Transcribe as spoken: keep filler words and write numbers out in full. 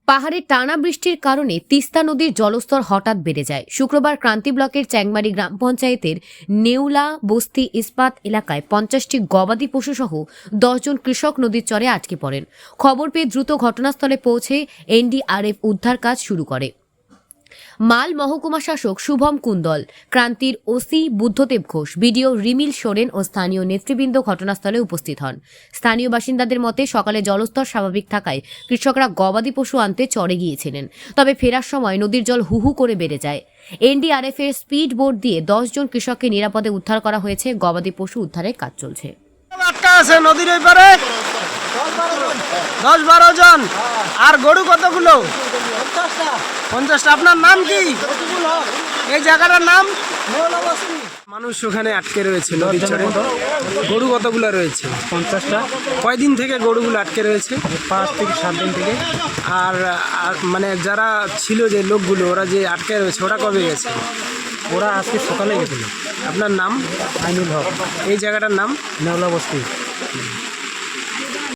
পাহাড়ে টানা বৃষ্টির কারণে তিস্তা নদীর জলস্তর হঠাৎ বেড়ে যায়। শুক্রবার ক্রান্তি ব্লকের চ্যাংমারি গ্রাম পঞ্চায়েতের নেউলা বস্তি ইস্পাত এলাকায় পঞ্চাশটি গবাদি পশুসহ দশজন কৃষক নদীর চরে আটকে পড়েন। খবর পেয়ে দ্রুত ঘটনাস্থলে পৌঁছে এনডিআরএফ উদ্ধার কাজ শুরু করে। মাল মহকুমা শাসক শুভম কুন্দল, ক্রান্তির ওসি বুদ্ধদেব ঘোষ, বিডিও রিমিল সোরেন ও স্থানীয় নেতৃবৃন্দ ঘটনাস্থলে উপস্থিত হন। স্থানীয় বাসিন্দাদের মতে সকালে জলস্তর স্বাভাবিক থাকায় কৃষকরা গবাদি পশু আনতে চরে গিয়েছিলেন, তবে ফেরার সময় নদীর জল হুহু করে বেড়ে যায়। এনডিআরএফ এর স্পিড বোট দিয়ে দশ জন কৃষককে নিরাপদে উদ্ধার করা হয়েছে। গবাদি পশু উদ্ধারের কাজ চলছে। নদীর ওই পারে দশ বারো জন। আর গরু কতগুলো? পঞ্চাশটা। আপনার নাম কি? এই জায়গাটার নাম? মানুষ ওখানে আটকে রয়েছে নদীর চরে। গরু কতগুলো রয়েছে? পঞ্চাশটা। কয়দিন থেকে গরুগুলো আটকে রয়েছে? পাঁচ থেকে সাত দিন থেকে। আর আর মানে যারা ছিল যে লোকগুলো ওরা যে আটকে রয়েছে ওরা কবে গেছে? ওরা আজকে সকালে গেছিল। আপনার নাম? আইনুল হক। এই জায়গাটার নাম? নেওলা বস্তি।